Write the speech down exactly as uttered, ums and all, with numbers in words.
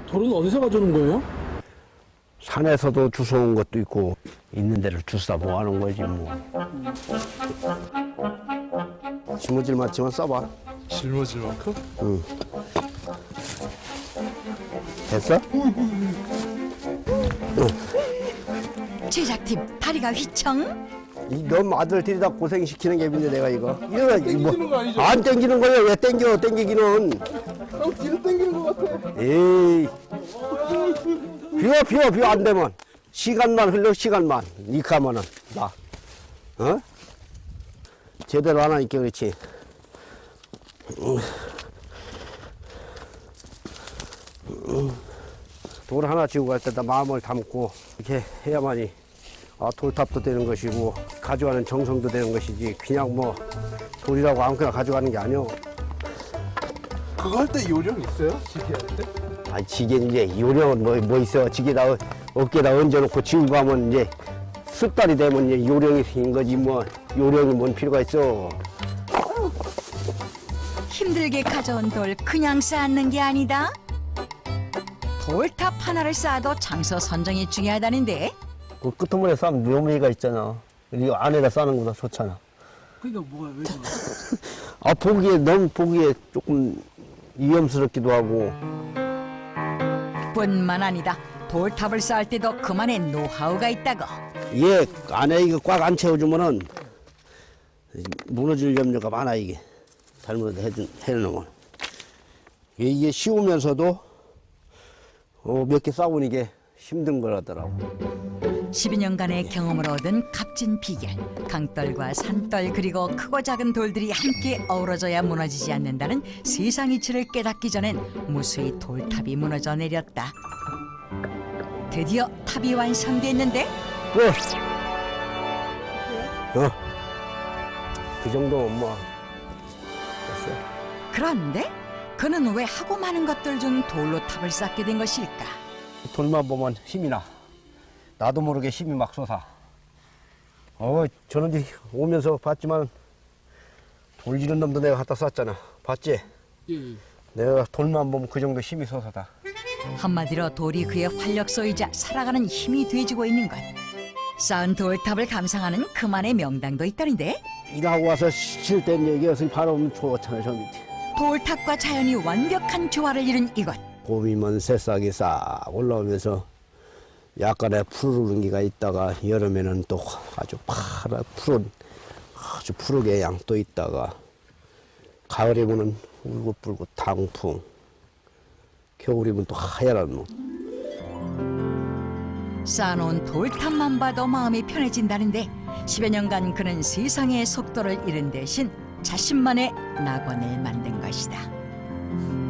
돌은 어디서 가져오는 거예요? 산에서도 주워온 것도 있고 있는 데를 주워 모아놓은 거지 뭐. 지무질 맞지만 써봐. 짊어질 만큼? 응. 됐어? 제작팀 다리가 휘청. 이놈 아들 들이다 고생시키는 게 내가 이거. 이거 땡기는 거 아니죠? 안 땡기는 거야. 왜 땡겨? 땡기기는. 형 뒤로 땡기는 것 같아. 에이. 비워 비워 비워 안 되면 시간만 흘러 시간만 이카면은 나. 어? 제대로 안 하니까 그렇지. 돌 하나 지고 갈 때다 마음을 담고 이렇게 해야만이 아, 돌탑도 되는 것이고 가져가는 정성도 되는 것이지 그냥 뭐 돌이라고 아무거나 가져가는 게 아니오. 그거 할 때 요령 있어요? 지게 할 때? 아, 지게 이제 요령은 뭐, 뭐 있어. 지게다 어깨에다 얹어놓고 지고 가면 이제 습달이 되면 이제 요령이 생긴 거지 뭐 요령이 뭔 필요가 있어. 힘들게 가져온 돌 그냥 쌓는 게 아니다. 돌탑 하나를 쌓아도 장소 선정이 중요하다는데 그 끄트머리에 싸면 묘미가 있잖아. 이거 안에다 싸는 거보다 좋잖아. 그러니까 뭐야 왜 좋아? 아, 보기에 너무 보기에 조금 위험스럽기도 하고. 뿐만 아니다. 돌탑을 쌓을 때도 그만의 노하우가 있다고. 얘 안에 이거 꽉 안 채워주면은 무너질 염려가 많아 이게. 잘못 해준 해놓으면 이게 쉬우면서도 어, 몇 개 쌓으니 이게 힘든 거라더라고. 십이 년간의 경험을 얻은 값진 비결. 강떨과 산떨 그리고 크고 작은 돌들이 함께 어우러져야 무너지지 않는다는 세상 이치를 깨닫기 전엔 무수히 돌탑이 무너져 내렸다. 드디어 탑이 완성됐는데 그, 어, 그 정도면 뭐 됐어. 그런데 그는 왜 하고 많은 것들 중 돌로 탑을 쌓게 된 것일까? 돌만 보면 힘이 나. 나도 모르게 힘이 막 솟아. 어, 저는 이제 오면서 봤지만 돌 지른 놈도 내가 갖다 쐈잖아. 봤지? 예, 예. 내가 돌만 보면 그 정도 힘이 솟아다. 한마디로 돌이 그의 활력소이자 살아가는 힘이 돼지고 있는 것. 쌓은 돌탑을 감상하는 그만의 명당도 있다는데 일하고 와서 쉴 땐 여기서 바로 좋잖아, 저 밑에. 돌탑과 자연이 완벽한 조화를 이룬 이곳. 봄이면 새싹이 싹 올라오면서 약간의 푸르른 기가 있다가 여름에는 또 아주 파란 푸른 아주 푸르게 양도 있다가 가을이면은 울긋불긋 당풍, 겨울이면 또 하얀 눈. 쌓아놓은 돌탑만 봐도 마음이 편해진다는데 십여 년간 그는 세상의 속도를 잃은 대신 자신만의 낙원을 만든 것이다.